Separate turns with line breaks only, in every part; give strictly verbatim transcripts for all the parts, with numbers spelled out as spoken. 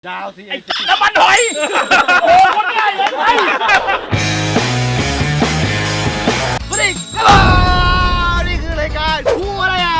ดาวสิไอ้
น้ำมันหอยโอ้คนง่ายเลยไปสวัสดีครับนี่คือรายการคู่อะไรอ่ะ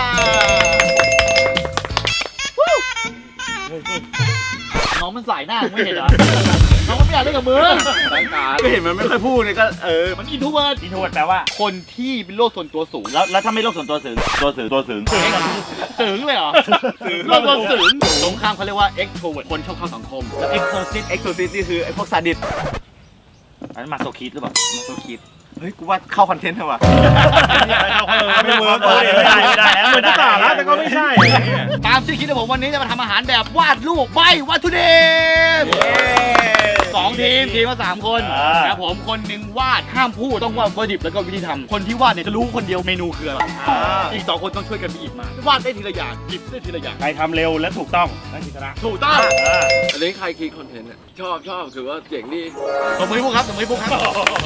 น้องมันใส่หน้าไม่เห็นเหรอน้องมันไม่อยากเล่นกับมือก็เห็นมันไม่ค่อยพูดเลยก็เออมันอินโทรเวิร์ดอินโทรเวิร์ดแปลว่าคนที่เป็นโรคส่วนตัวสูงแล้วแล้วถ้าไม่โรคส่วนตัวสูงตัวสูงตัวสูงสูงเลยเหรอโรคตัวสูงสงครามเขาเรียกว่า extrovert คนชอบเข้าสังคมแล้ว exorcist exorcist นี่คือไอ้พวกซาดิสอันนั้นมาโซคิดหรือเปล่ามาโซคิดเฮ้ยกูว่าเข้าคอนเทนต์เถอะว่ะไม่เวิร์กเลยไม่ได้ไม่ได้ไม่ได้แล้วแต่ก็ไม่ใช่ตามที่คิดนะผมวันนี้จะมาทำอาหารแบบวาดรูปใบวัตถุดิบสองทีมทีมละสามคนนะผมคนหนึ่งวาดห้ามพูดต้องวาดวัตถุดิบแล้วก็วิธีทำคนที่วาดเนี่ยจะรู้คนเดียวเมนูคืออะไรอีกสองคนต้องช่วยกันไปหยิบมาวาดได้ทีละอย่างหยิบได้ทีละอย่าง
ใครทำเร็วและถูกต้องนั่นชนะ
ถูกต้อง
อันนี้ใครคิดคอนเทนต์อ่ะชอบชอบถือว่าเจ๋งดี
สมมติพวกครับสมมติพวกครับ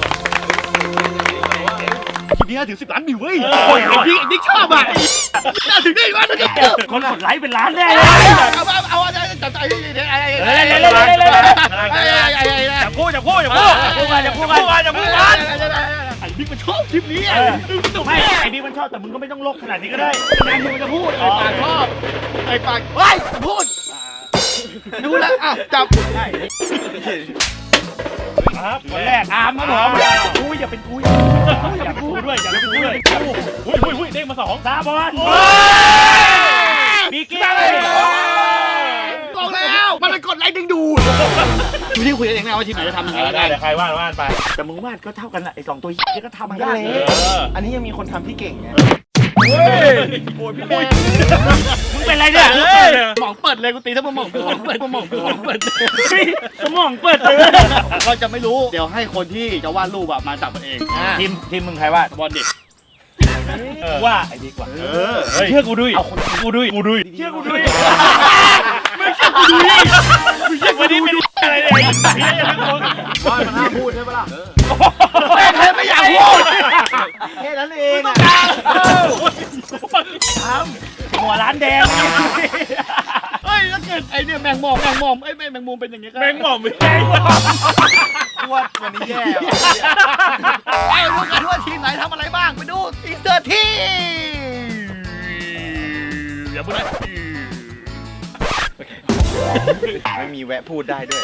คลิปนี้ถึงสิบล้านวิวเว้ยไอ้บิ๊กไอ้บิ๊กชอบอ่ะน่าถึงได้ว่าเนี่ย
คนกดไลค์เป็นล้านแน่เลย
เอาเอาเอาอะไรจับใจไอ้ไอ้ไอ้ไอ้
จะพูดจะพูดจะพูดจะพูดกันจะพูดกันจะพูดกัน
ไอ้บิ๊กมันชอบคลิปนี้
ไม่ไอ้บิ๊กมันชอบแต่มึงก็ไม่ต้องลกขนาดนี้ก็ได้
งานมึงจะพูดไอ้ปากชอบไอ้ปากเฮ้ยพูดดูแลอ้าวจับได้
ครับคนแรกอามครับผมกูอย่าเป็นกูอย่าเป็นกูด้วยอย่าเป็นกูด้วยอุ้ยอุ้ยอุ้ยเด้งมาสองตาบอลบิ๊กกี้
บอกแล้วมันเป็นกดไลค์ดึงดูดดูที่คุยกันเองนะว่าทีมไหนจะทำยังไง
ได้เดี๋ยวใครวาดวาดไป
แต่มึงวาดก็เท่ากันแหละไอ้สองตัวนี้ก็ทำมันก็เลย
อันนี้ยังมีคนทำที่เก่งไง
เฮ้ยโอ้ยพี่แม่
มึงเป็นไรเนี่ย
สมองเปิดเลยกูตีถ้ามึงมองสมองเปิดสมองสมองเปิด
สมองเปิดเลย
เราจะไม่รู้เดี๋ยวให้คนที่จะวาดรูปมาจับมันเอง
ทีมทีมมึงใครวาด
บอลเด็ก
ว่าไอ้ดีกว่าเชื่อกูด้วยเอาคนกูด้วยกูด้วยเชื่อกูด้วย
ไม่เชื่อกูด้วย
ไม่เชื่อวันนี้ไม่รู้อะไรเลย
ว่ามันห้ามพูดใช่ปะล่ะ
แค่ไม่อยากพูด
แค่นั้นเองอ่ะ
ทำหัวร้านแดง
เฮ้ยถ้าเกิดไอเนี่ยแมงมอมแมงมอมไอ้แมงมุมเป็นอย่างนี้ก็
แมงมอมไม่ใช่
ว่าวันนี้แย่
ไอ้รู้กันว่าทีมไหนทำอะไรบ้างไปดูอินเตอร์ทีอย่าพูดนะ
ไม่มีแวะพูดได้ด้วย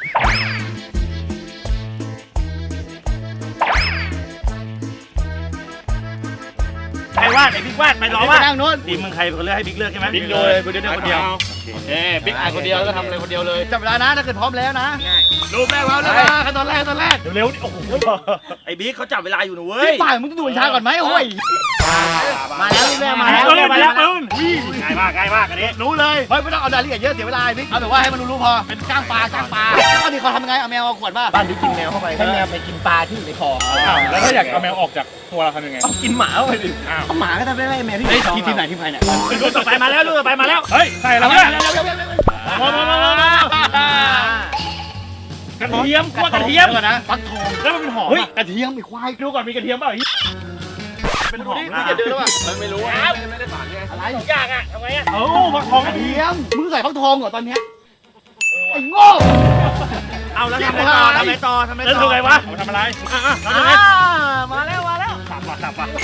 ใครวาดไอ้บิ๊กวาดไปรอวาด
นั่งนู้น
ทีมมึงใครคนเลือกให้บิ๊กเลือกใช่ไหม
บิ๊กเลยคนเดียวคนเดียวเอ้บิ๊กอ่านคนเดียวแล้วก็ทำอะไรคนเดียวเลยจับเวลานะถ้าเกิดพร้อมแล้วนะรูปแรกแล้วเลยขั้นตอนแรกขั้นตอนแรก
เร็วๆโอ้โหไอ้บิ๊กเขาจับเวลาอยู่นะเว้ย
ที่ป่ายมึงต้องดูช้าก่อนไหมโอ้ยมาแล้วรูปแรกมาแล้ว
มาแล้วปืนง่ายมากง่ายมากอันนี้
รู้เลยเฮ้ยไม่ต้องเอารายละเอียดเยอะเสียเวลาบิ๊กเอาแต่ว่าให้มันรู้ๆพอเป็นก้างปลาก้างปลาแล้วก็นี่เขาทำยังไงเอาแมวเอาขวดมา
บ้านที่กินแมวเข้าไปให้แมวไปกินปลาที่อยู่ในคอ
แล้วถ้าอยากเอาแมวออกจากตัวเราทำยังไง
เอากินหมาเข้าไปดิเอาหมาก็ทำได้แมวที่
ทีทีไหนทีใครเนี่ย
รูปต่อไปมาแล้วรูปต่อไปมาแล้วเฮ้ยใส่แล้วเนี่ยมามามามา กระเทียมกว่ากระเทียมก่อนนะฟักทองแล้วมันเป็นหอม
เฮ้ยกระเทียมไอ้ควาย
ดูก่อนมีกระเทียมเปล่า
เป็นหอมนะอย่าดื้อแล้วว่ะ
ไม่รู้ไม่ได้สารไง
อะไร
ยากอ่ะทำไงอ่ะเอ้าฟักทอง
กระเทียมมึงใส่ฟักทองเหรอตอนเนี้ยไอ้โง่
เอาแล้วทำอะไรต่อทำอะไรต่อทำอะไรต่อแล้วทำไงวะทำอะไร
มาแล้วมาแล้ว
สับว่ะสับว่ะ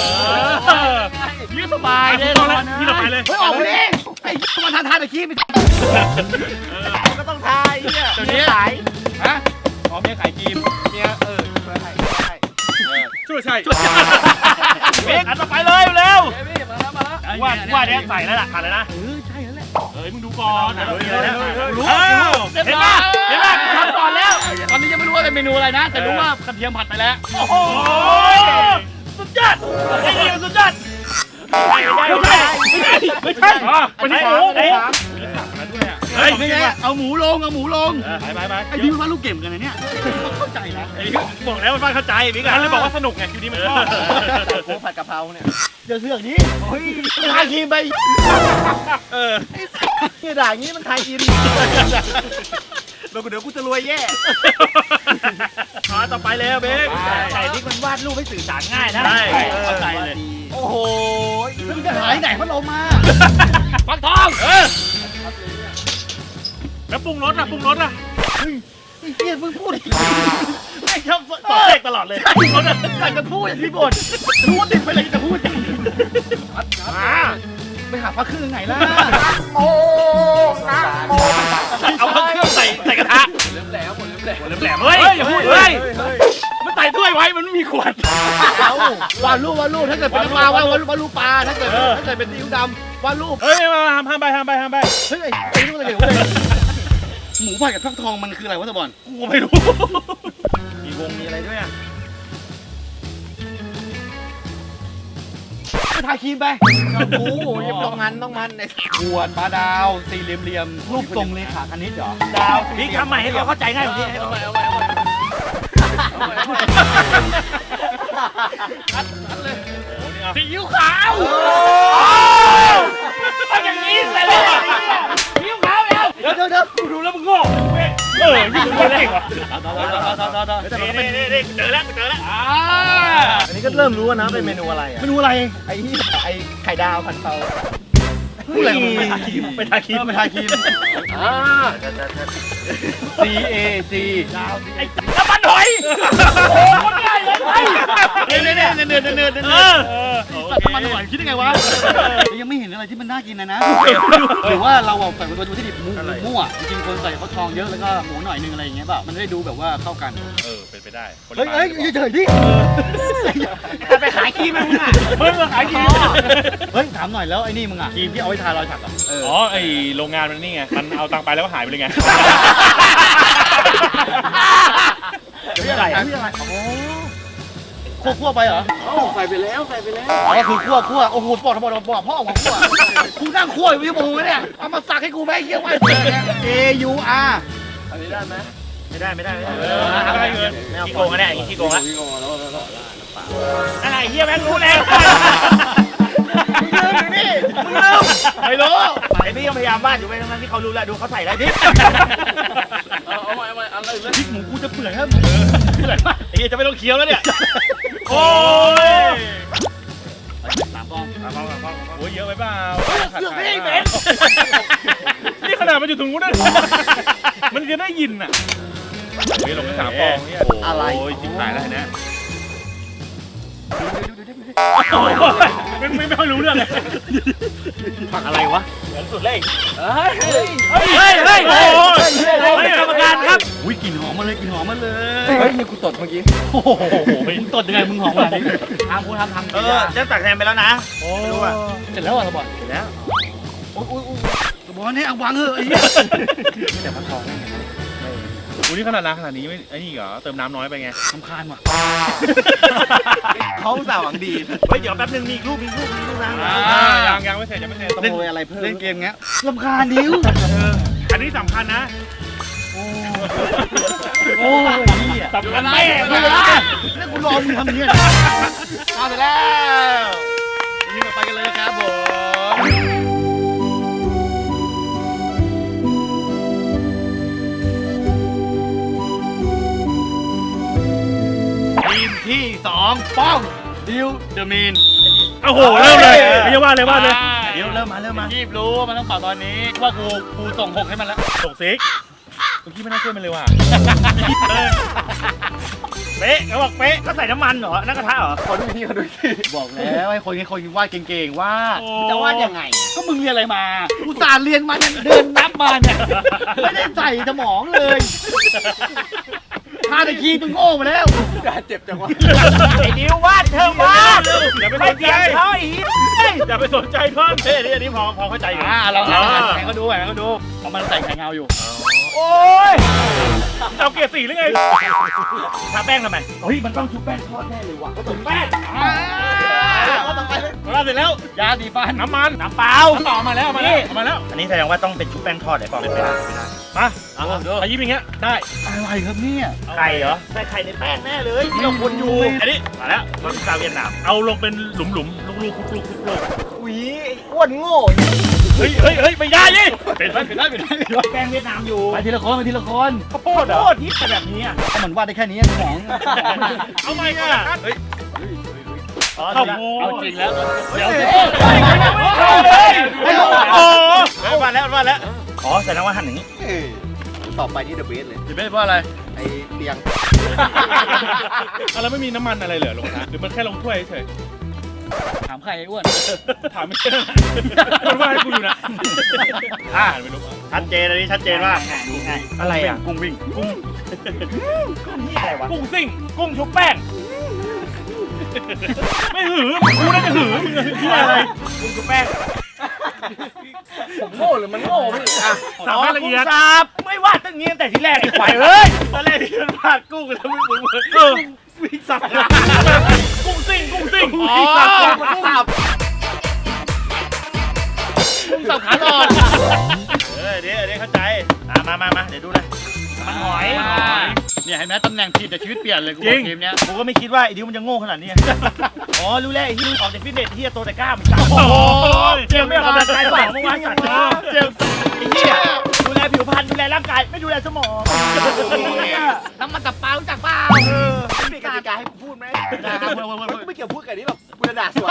ยืดสบายเลย
ที่เราไปเลย
เฮ้ยออกไปดิไอ้มาทานทานตะกี้ไป
ก็ต้องทายเนี่ย
เดี๋ยวนี้ขายฮะอ๋อเมียขายจีม
เมียเออช่วยใช่
ช่วยใช่เบ๊กอันต่อไปเลยเร็วว่าว่าเนี้ยใส่แล้วล่ะผ่านเลยนะ
เออใช่แล้วแหละ
เฮ้ยมึงดูก่อน
รู้เห็นป่ะเห็นป่ะทำก่อนแล้วตอนนี้ยังไม่รู้ว่าเป็นเมนูอะไรนะแต่รู้ว่ากระเทียมผัดไปแล้ว
โอ้โหสุดยอดไอ้เดียวสุดยอดไม่ใช่ไม่ใช่ไม่ใช่ไม่ใช่หมูไอ้
เฮ้ยไม่ใช่เอาหมูลงเอาหมูลง
ไปไปไป
ไอ้พี่มันว่าลูกเก่งกันนะเนี่ยเข้าใจนะ
ไอ้พี่บอกแล้วมันเข้าใจพี่กันเลยบอกว่าสนุกไงคิวนี้มันชอบ
โค้ผัดกะเพราเนี่ย
เดี๋ยวเสือกนี้เฮ้ยทายทีมไป
เออ
ไอ้ด่างี้มันทายอินเดี๋ยวเดี๋ยวกูจะรวยแย่
มาต่อไปแล้วเบ๊ก
ไอ้บิ๊กมันวาดรูปให้สื่อสารง่ายนะ
เข้าใจเลย
โอ้โหมันจะหายไหนพัดลมมาฟักทองเออ
แล้วปรุงรสอ่ะปรุงรสอ่ะ
ไอ้เหี้ยมึงพูดไม่ชอบส
ต่อ
อน
เด็
เด็
ก
ก
ตลอดเลย
อยากจะพูดอย่างที่บ่นรู้ว่าติดไปเลยจะพูดอย่าง
มา
ไปหาพระเครื่องไหนล่ะ
เอาเครื่องใส่ใส่กระทะเริ่มแหลมหมดเริ่มแหลมเริ่มแหลมเฮ้ยอย่าพูดเฮ้ยมันใส่ถ้วยไว้มันไม่มีขวด
เอาวาดรูปวาดรูปถ้าเกิดเป็นปลาวาดวาดรูปวาดรูปปลาถ้าเกิดถ้าเกิดเป็นซีอิ๊วดำวาดรูป
เฮ้ยมาห้ามห้ามไปห้ามไปห้ามไป
เฮ้ยไอ้นี่มันอะไรกันเลยหมูผัดกับฟักทองมันคืออะไรวะตะบอล
กูไม่รู้
มีวงมีอะไรด้วยอ่ะไปทาครีมไปโอ้โหยังต้องมันต้องมันไอ้ขวดปลาดาวสี่เหลี่ยมๆรูปทรงเลขาคณิตเหรอดาว
พี่ทำใหม่ให้เขาเข้าใจง่ายกว่านี้เอาไปเอาไปเอาไปซีอิ๊วขาวเอาอย่างนี้เลยซีอิ๊วขาวแล้ว
เดี๋ยวเดี๋ยวเดี๋ยว
กูดูแล้วมึงโง่เออยิ่งคนแรกว่ะ
ต่อต่อต่อต่อต่อต่อแต่มันก็เป็น
นี่นี่เจอแล้วเจอแล้วอ่า
อันนี้ก็เริ่มรู้นะเป็นเมนูอะไรอ่ะเมนูอะไรไอ้นี่ไอ้ไข่ดาวผัดเตาพูดอะไรกับมึงไปทาครีม
ไปทาครีม
ไปทาครีมอ่า C A C ดาว
ไอ้น้ำมันหอยโอ้คนง่ายเลยไอ้
เนื้อเนื้อเนื้อเนื้อเนื้อเนื้อ
เอ
เนื้อ
อ
สัตว์มันหวานคิดได้ไงวะยังไม่เห็นอะไรที่มันน่ากินนะนะหรือว่าเราใส่วัตถุดิบมั่วจริงๆคนใส่ฟักทองเยอะแล้วก็หมูหน่อยนึงอะไรอย่างเงี้ยป่ะมันได้ดูแบบว่าเข้ากัน
เออเป็นไปได้
เฮ้ยเฮ้ยเฉยๆดิไปขายครีมมึงอ่ะ
มึงมาขายครีม
เฮ้ยถามหน่อยแล้วไอ้นี่มึงอ่ะครีมที่เอาไว้ทารอยสักอ่ะ
อ๋อไอโรงงานมันนี่ไงมันเอาตังค์ไปแล้วก็หายไปเลยไง
เดี๋ยวใส่อะไรโอ้คั่วคั่วไปเหรอใส่ไปแล้วใส่ไปแล้วอ๋อคือคั่วคั่วโอ้โหบอกทำไมบอกพ่อของคั่วกูนั่งคั่วอยู่ที่มึงเนี่ยเอามาสักให้กูไหมเยี่ยมไป A U R
อันนี้ได้ไหม
ไม่ได้ไม่ได้ไม่ได้
เออไม่ได้เงินขี้โกงกันแน่ขี้โกงละอะไรเฮียแม่งรู้แล้ว
มึงลืมนี่มึงลืม
ไม่รู้
ไอ้นี่ยังพยายามวาดอยู่ไปทั้งที่เขารู้แล้วดูเขาใส่อะไรดิเอาใหม่เอาใหม่อะไร
พริกหมูกูจะเปื่อยครับเปื่อยมาก
ไอ้เฮียจะไม่ต้องเคี้ยวแล้วเนี่ยโอ้ย
สามฟอง
โอ้ยเยอะไปเปล่า
เสือกไม่ให้เบน
นี่ขนาดมันอยู่ตรงนู้นนะมันจะได้ยินอ่ะเฮ้ยลงไปสามฟองเนี่ยโอ้ยจิ้มหายแล้วนะไม่ไม่ไม่ค่อยรู้เรื่องเลย
ผักอะไรวะ
เหมือนสุดเลย
เฮ้ย
เฮ้ยเฮ้ยเฮ้ยโอ้ยกรรมการครับ
อุ้ยกลิ่นหอมมาเลยกลิ่นหอมมาเลย
เฮ้ยนี่กูตดเมื่อกี้
โอ้โหมึงตดยังไงมึงหอมขนาดนี้ทำกูทำทำ
เออจะตักแทนไปแล้วนะ
โอ้
รู้ป่ะ
เสร็จแล้วอ่ะสบอน
เสร็จแล้ว
โอ้ยโอ้ยโอ้ยสบอนให้เอาวางเถอะไอ้เหี้ยแต่พันทองได้ไง
โหนี่ขนาดน้ำขนาดนี้ไม่ไอ้นี่เหรอเติมน้ำน้อยไปไง
สำคาญว่ะ
เขาสาวหวังดีเฮ้ยเดี๋ยวแป๊บนึงมีอีกรูปมีอีกรูปมีอีกรูปนะ
ยังยังไม่เสร็จยังไม่เสร็จ
ต้องโวยอะไรเพิ่มเล่นเกมเงี้ยลำคาญดิ้ว
อันนี้สำคัญนะ
โอ้ยนี่อ่ะ
สำคัญแม่
ไม่ได้แล้วกูรอมึงทำอย่างเงี้ยเอาไปแล้วนี่เราไปกันเลยครับผมทีมที่สองป้องดิวเดอะมีน
โอ้โหเริ่มเลยไม่ใช่ว่าเลยว่าเลย
เดี๋ยวเริ่มมาเริ่มมารีบรู้ว่ามันต้องเป่าตอนนี้ว่ากูกูส่งหกให้มันแล้ว
ส่งซิกเมื่อกี้ไม่น่าช่วยมันเลยว่ะเป๊ะเขาบอกเป๊ะก็ใส่น้ำมันเหรอนั่นกระทะเหรอ
ขอดูที่ขอดูที่บอกแล้วไอ้คนนี้คนวาดเก่งๆวาด
โอ้
จะวาดยังไง ก็มึงเรียนอะไรมาอุตส่าห์เรียนมาเนี่ยเดินนับมาเนี่ยไม่ได้ใส่สมองเลยทาตะคีมึงโง่มาแล้ว
เจ็บจังวะ
ไอ้นิ้ววาดเธอวาดอย่าไปสนใจเขาอีกอย่าไปสนใจเพิ่มเฮ้ยอันนี้พอพอเข้าใจอยู่
อ่าเราเราแข่งเขาดูแข่งเขาดูเอามันใส่ไข่เงาอยู่
โอ้ยเจ้าเกียร์สี่หรือไงทาแป้งทำไม
เฮ้ยมันต้องชุบแป้งทอดแน่เลยว่ะ
ก็ถึงแป้ง
อ่าเอาต่อไปเลย
มาเสร็จแล้ว
ยาสีฟัน
น้ำมันน้ำเปล่าต่อมาแล้วมาแล้วมาแล้ว
อันนี้แสดงว่าต้องเป็นชุบแป้งทอดไอ้ปอมเป็นไปได้
มาขยิบอย่างเงี้ยได้
อะไรครับเนี่ย
ไข่เหรอใส่ไข่ในแป้งแน่เลยที่เราคนอยู่
อันนี้มาแล้วมาซาเวียดนามเอาลงเป็นหลุมหลุมลูกลูกลูกลูกลูก
อุ้ยอ้วนโง่
เฮ้ยเฮ้ยเฮ้ยไม่ได้ยี่
เป็นได้เป็นได้เป็นได้เป็นได้
แป้งเวียดนามอยู่
ไปทีละคนไปทีละคน
ข้าวโพดเหรอ
โคตรฮิตแบบนี้อ่ะ
ก็เหมือนวาดได้แค่นี้สมอง
เอาไม่ก่อนเฮ้ย
เข้า
เอาจริงแล้วเดี๋ยว
โอ้โหมาแล้วมาแล้ว
อ๋อแสดงว่าหั่นอย่างนี้
เต่อไปนี่เดอะเบสเลย
จะเป็นเพราะอะไร
ไอเตียง
อะไรไม่มีน้ำมันอะไรเหรอลงนะหรือมันแค่ลงถ้วยเฉย
ถามใครไอ้อ้วน
ถามไม่ใช่มันว่าให้กูอยู่นะอ่าไม่รู้
ชัดเจนอันนี้ชัดเจนว่าอะไรอ่ะกุ้งวิ่งกุ้งกุ้งนี่อะไรวะ
กุ้งซิ่งกุ้งชุบแป้งไม่หือกูน่าจะหือมึงคืออะไรกุ้งชุบแป้ง
ผมโง่หรือมันโง่พี่อ่ะ
สามารถละเอียด
สับไม่ว่าตั้งนี้ตั้งแต่ทีแรกไอ้ควายเอ้ยตอนแรกที่มันพาดกุ้งแล้วมันเหมือนเออวิ่งสับ
กุ้งซิ่งกุ้งซิ่ง
อ๋อสับสับกุ้งสับขาอ่อนเออเดี๋ยวเดี๋ยวเข้าใจมามามาเดี๋ยวดูเลยมันหอยเนี่ยเห็นไหมตำแหน่งผิดแต่ชีวิตเปลี่ยนเลยกูบอกทีมเนี้ยกูก็ไม่คิดว่าไอ้ดิวมันจะโง่ขนาดนี้อ๋อรู้แล้วไอ้ที่ออกจากฟิตเนสที่โตแต่กล้ามจับ
โอ้ย
เจมไม่ออกกำลังกายสมองเมื่อวานสัตว์เจมไอ้เหี้ยดูแลผิวพรรณดูแลร่างกายไม่ดูแลสมองน้ำมันตับปลารู้จักเปล่า
ไม่มีกติกาให้กูพูดไหมกูไม่เกี่ยวพูดกับนี้หรอกกูจะด่าสวน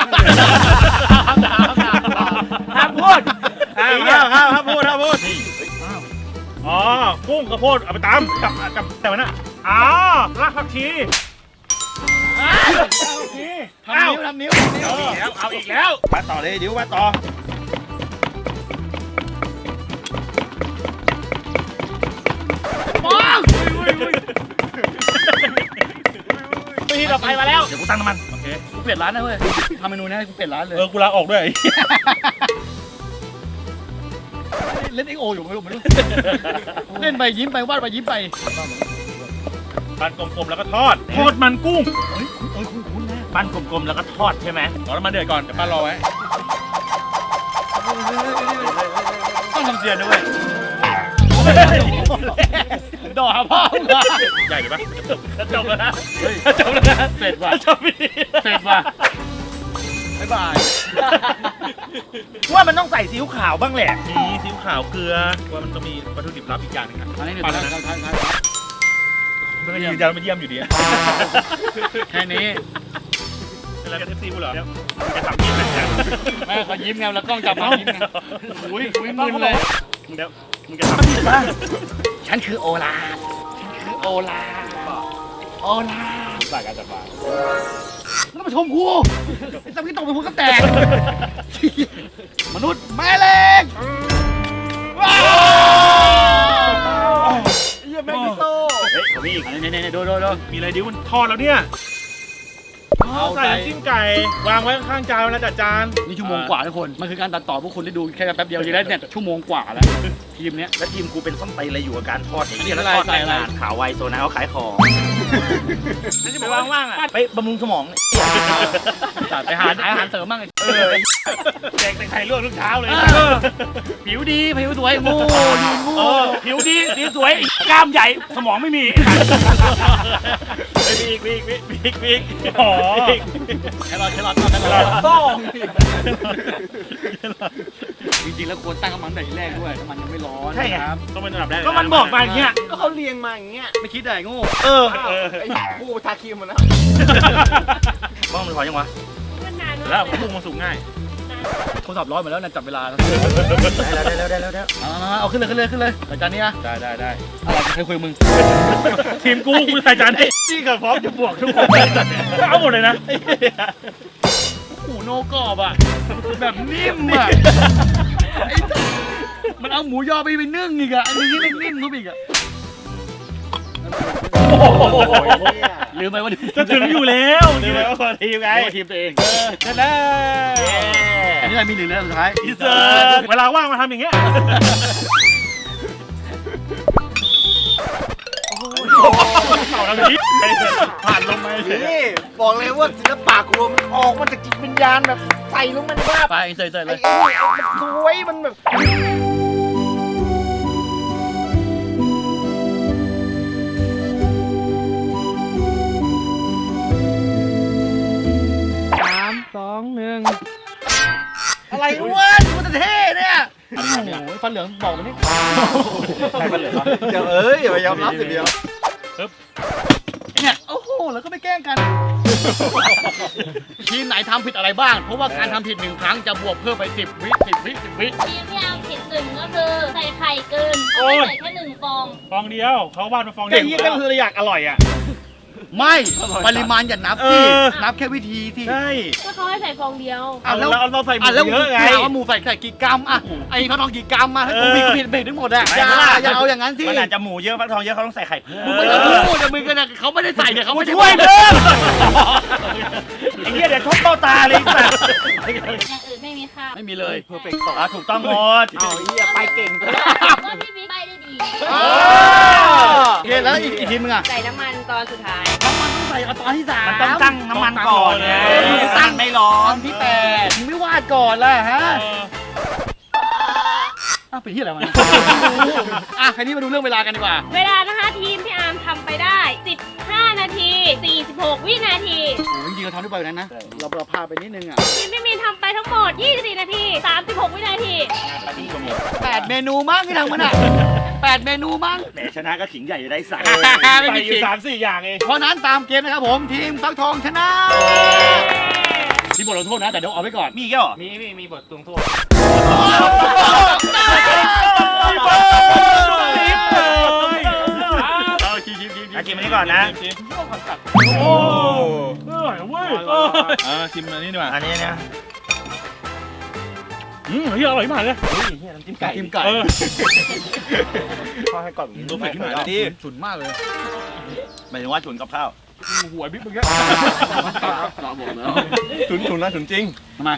ห้ามพูดห้ามห้ามห้ามห้ามพูดห้ามพูด
อ๋อกุ้งกระโพดเอาไปตำกับกับแต่วันน่ะอ๋อรากผักชี
ทำนิ้วทำนิ้ว
เอาอีกแล้วเอาอีกแล้ว
มาต่อเลยดิวมาต่อมองปีต่อไปมาแล้วเดี๋ยวกูตั้งน้ำมันโอเคกูเปลี่ยนร้านนะเว้ยทำเมนูนี้ให้กูเปลี่ยนร้านเลย
เออกูลาออกด้วย
เล่นเอ็กโออยู่ไม่รู้ไม่รู้เล่นไปยิ้มไปวาดไปยิ้มไป
ปั้นกลมๆแล้วก็ทอดทอดมันกุ้ง
เฮ้ยเอ้ยคุ้นๆนะปั้นกลมๆแล้วก็ทอดใช่ไหม
รอน้ำมันเดือดก่อนเดี๋ยวปั้นรอไว้
ต้องทำเสียงด้วยดอกพ่อมึงอะ
ใหญ่ไปปะ
จบแล้วนะจบแล้วนะเสร็จว่ะจบเสร็จว่ะบ๊ายบายว่ามันต้องใส่ซีอิ๊วขาวบ้างแหละ
มีซีอิ๊วขาวเกลือว่ามันต้องมีวัตถุดิบลับอีกอย่างหนึงครับ
อันนี้
ปั้นแล้วนะมันก็ยืนยันมาเยี่ยมอยู่ดี
แค่นี้
เป็นอะไรกันเอฟซีกูเหรอจะทำยิ้มเลยเนี่ย
แม่เขายิ้มไงแล้วกล้องจับมายิ้มไงอุ้ยอุ้ยมึนเลย
มึงเดี๋ยวมึงจะทำยิ้ม
ฉันคือโอลาฉันคือโอลาโอลา
สายการจัดบ้าน
แล้วมาชมกูไอ้สัมกี้ตกเป็นหัวกระแตกมนุษย์แม่เหล็กว้าว
เยี่ยมแม่กิโต้
เฮ้ยมีอีกอันนี้นี่ๆๆดูดูดู
มีอะไรดิวมันทอดแล้วเนี่ย
เอา
ใส่
ใจ
น้ำจิ้มไก่วางไว้ข้างๆจานเวลาจัดจาน
นี่ชั่วโมงกว่าทุกคน มันคือการตัดต่อพวกคุณได้ดูแค่แป๊บเดียวทีแรกเนี่ยชั่วโมงกว่าแล้วทีมเนี้ย
แล้วทีมกูเป็นส้นตีนอะไรอยู่กับการทอดอย่าง
อันนี้
เงี้ยแล้ว
อะไร
ทอด
ใส่
แรง
อะไร
งานขาวไวโซนาเขาขายของ
ไปว่างๆอ่ะ
ไปบำรุงสมอง
จัดไปหาอาหารเสริมบ้างไอ้
เออ
แจกแต่ไข่ลวกทุกเช้าเลย
ผิวดีผิวสวยโง่ยืนโง่ผิวดีดีสวยกล้ามใหญ่สมองไม่มี
ไปอีกอีกอีกอีกอีก
อ๋อ
แครอทแครอทแครอท
ต้อง
จริงๆแล้วควรตั้งน้ำมันแต่ทีแรกด้วยน้ำมันยังไม่ร้อน
ใช่ไง
ครับ
ต้องเป็นระดับแรก
ก็มันบอกมาอย่างเงี้ย
ก็เขาเรียงมาอย่างเงี้ย
ไม่คิดได้โง่
เออ
เออ
ไอ้กูทาครีมหมดแล้ว
บ้องมันพอยังวะ
แล้วพุ่งมันสูงง่าย
โทรศัพท์ร้อนหมดแล้วนะจับเวลาแล้ว
ได้แล้วได้แล้วได้แล้ว
เอามาเอาขึ้นเลยขึ้นเลยขึ้นเลยรายการนี้อะ
ได้ได้ได้
อะไรใครคุยกับมึง
ทีมกูกูใส่จานให้
นี่ก็พร้อมจะบวกทุกคน
เอาหมดเลยนะ
โอ้โหโนกรอบอ่ะแบบนิ่มอ่ะไอ้สัสมันเอาหมูยอไปไปนึ่งอีกอ่ะอันนี้ไม่นิ่มนุ๊บอีกอ่ะลืมไปว่า
จะถึงอยู่แล้ว
นี่เลยว่าคนทีมไง
ไอ้ทีมตัวเอง
เสร็จแล้ว
อันนี้อะไรมีหนึ่งแล้วสุดท้าย
อีเสิร์ตเวลาว่างมาทำอย่างเงี้ย
เข่าแล้วพี่ผ่านลงมาเฉย
นี่บอกเลยว่าศิลปะกูมันออกมาจากจิตวิญญาณแบบใส่ลงมาในบ้า
ไปเสยๆเล
ไอ้
ย
ไอ้นี่มันสวยมันแบบ
สามสองหนึ่งอะไรวะกูจะเท่เนี่ยโอ้โหฟันเหลืองบอกมันนี่
ใครเป็นเหลือ
เดี๋ยวเอ้ยอย่าไปยอมรับสิเดียว
เนี่ยโอ้โห
แล้วก็ไม่แกล้งกัน ทีมไหนทำผิดอะไรบ้าง เพราะว่าการทำผิดหนึ่งครั้งจะบวกเพิ่มไปสิบวิสิบวิสิบวิ
ทีมที่เอาผิดหนึ่งก็คือใส่ไข่เกินเขาไม่ใส่แค่หนึ่งฟอง
ฟองเดียวเขาวาดมาฟองเดี
แค่
ยว
ยี่ก็คืออยากอร่อยอ่ะ
ไม่ปริมาณอย่านับ
เอ
สิ
อ
นับแค่วิธีที่
ใช่
ก็เขาให้ใส่ฟองเดียว
อ่ะแล้ว
เราเราใส่หมู
อ่ะแล้ว
เยอะไง
ถามว่าหมูใส่ใส่กี่กรัมอ่ะไอ้พระทองกี่กรัมมาให้กู
เออ
มีกูผิดเบรกทั้งหมดอะอย่าอย่าเอาอย่างนั้นสิ
มันอาจจะหมูเยอะฟักทองเยอะเขาต้องใส่ไข่เพิ่ม
มึงไม่ต้องพูดแต่มึงก็เนี่ยเขาไม่ได้ใส่เนี่ยเขาไม่ได้
ช่วยเพิ่มไอ้เหี้ยเดี๋ยวชกเบ้าตาเลยสัตว์
อย่างอื่นไม่มีค่า
ไม่มีเลย
เพอร์เฟกต์ต่อถูกต้องหมด
เอาเหี้ยไปเก่ง
ว่าพี่บิ๊กใบได้ดี
โอเคแล้วอีกอีกทีมึงอ่ะ
ใส่น้ำมันตอนสุดท้าย
น้ำมันต้องใส่เอาตอนที่สาม
มันต้องตั้งน้ำมันก่อนไงตั้งไม่ร้อ
ตอน นที่แปดมึงไม่วาดก่อนล่ะฮะอ้าวเป็นที่อะไรวะเนี่ยอ่ะคราวนี้มาดูเรื่องเวลากันดีกว่า
เวลานะคะทีมพี่อาร์มทำไปได้สิบห้านาทีสี่สิบหกวินาที
โอ้ยจริงๆเราทำได้ไปกว่านั้นนะเราเราพาไปนิดนึงอ่ะ
ทีมพี่มีนทำไปทั้งหมดยี่สิบสี่นาทีสามสิบหกวินาที
แปดเมนูมั้งที่ทำมันอ่ะแปดเมนูมั้ง
แหมชนะก็ขิงใหญ่จะได้ใส่
ไม่
ใส่
มี
อ
ขิ
ยู่
ง
สามสี่อย่างเอง
เพราะนั้นตามเกมนะครับผมทีมฟักทองชนะที่บทลงโทษนะแต่เดี๋ยวเอาไว้ก่อน
มีแค่หรอ
มีมีมีบทลงโทษ
เอาคิวคิวคิว
อากินมานี่ก่อนนะ
โอ้เออเว้ยเออชิมอันนี้ดีกว่า
อันนี้นะ
อืมเฮียอร่อยมากเลย
จิ้มไก่จิ้มไก่
เออ
พอให้ก่อน
รู้สึกที่ไหนดีสุดมากเลย
หมายถึงว่าฉุนกับข้าว
หัวบิ๊กเมื่อกี้
ฉุนฉุนนะฉุนจริง
ทำไม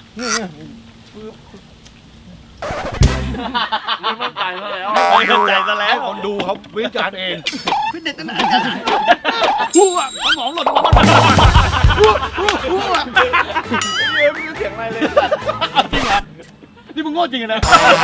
ไม่มั่นใจซะแล้ว
ไม่เข้าใจซะแล้ว
คนดูเขาวิจารณ์เองพี่เด็ดตั้งไหนหัวสมองหล่นมาบ้างหัวหัวหัว
เฮ้ยไม่รู้เสียงอะไรเลย
จริงเหรอนี่มึงโง่จริงนะ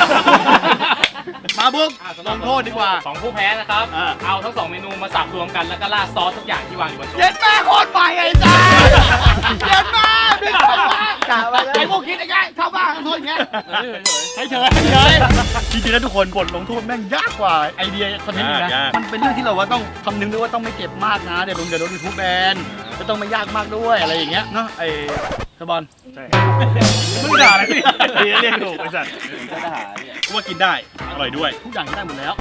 มาบุ๊กลงโทษดีกว่า
สองผู้แพ้นะครับ
อ่า
เอาทั้งสองเมนูมาสับรวมกันแล้วก็ราดซอสทุกอย่างที่วางอยู่บนโต๊ะ
เย็นแม่โคตรใหม่ไอ้จ้าเย็นแม่บิ๊กกะว่าไอ้พวกคิดไอ้ไงชาวบ้านโทษอย่างเงี้ยเฉยเฉยเฉยจริงๆแล้วทุกคนบทลงโทษแม่งยากกว่าไอเดียคอนเทนต์นะมันเป็นเรื่องที่เราว่าต้องคำนึงด้วยว่าต้องไม่เจ็บมากนะเดี๋ยวโดนเดี๋ยวโดนยูทูบแบนจะต้องไม่ยากมากด้วยอะไรอย่างเงี้ยเนาะไอ้สบอล
มึงด่าอะไรพี่
เรียกถูกไอ้สัตว์กูว่ากินได้ อร่อยด้วย
ทุกอย่างได้หมดแล้ว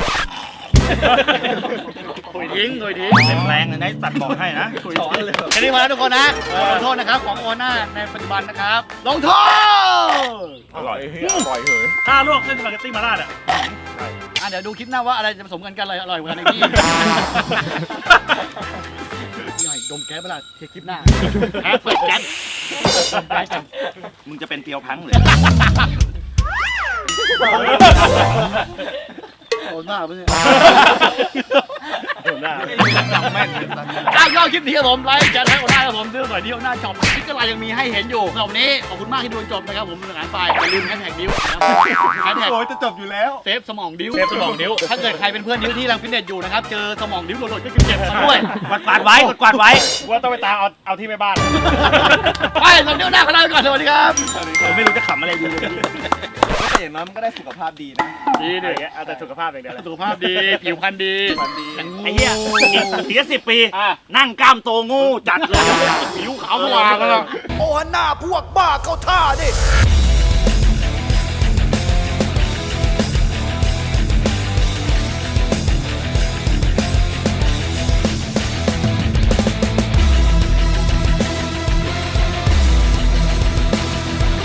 โอยทิ้งโอยทิ้ง
เป็นแรงเลยนะสัตว์บอกให้นะ
แค่นี้มาแล้วทุกคนนะลงโทษนะครับของโอน่าในปัจจุบันนะครับลงโทษ
อร่อยอร่อยเหย
ถ้าลวกเส้นสปาเกตตี้มาราดอ่ะ
อ่ะเดี๋ยวดูคลิปหน้าว่าอะไรจะผสมกันกันอะไรอร่อยกว่ากันในที่หน่อยดมแก๊สเวลาเทคลิปหน้าแก๊สเปิดแก๊สดมแก๊สกัน
มึงจะเป็นเปียวพังเลย
โอ้หน้าเพื่อน
หน้า
อ่ะยอดคลิปนี้ครับผมไลค์แชร์ให้โอน่าครับผมซื้อหน่อยที่โอน่าช็อปคลิปก็ไลน์ยังมีให้เห็นอยู่สำหรับวันนี้ขอบคุณมากที่ดูจนจบนะครับผมเป็นอาหารไปอย่าลืมแฮชแท็กดิ้วนะครับแฮชแท็ก
โอ้ยจะจบอยู่แล้ว
เซฟสมองดิ้ว
เซฟสมองดิ้ว
ถ้าเกิดใครเป็นเพื่อนดิ้วที่รังฟิตเนสอยู่นะครับเจอสมองดิ้วโหลดๆก็เก็บมาด้วย
กวาดกวาดไว้กวาดกวาดไว้
ว่าต้องไปตามเอาเอาที่แม่บ้าน
ไปสำหรับดิ้วหน้าขอลาไปก่อนสวัสดีครับ
ผมไม่รู้จะขำอะไรดีเลย
แต่อย่างน้อยมันก็ได้สุขภาพดีนะ
ดีดิ
เอาแต่สุขภาพอย่างเดียวเลย
สุขภาพดีผิวพรรณดี
ไอ้เหี้ยอีกอีกสิบปี
อ่ะ
นั่งกล้ามโตงูจัดเลย
ผิวขาวสว่างแล้ว
โอ้หน้าพวกบ้าเข้าท่าดิ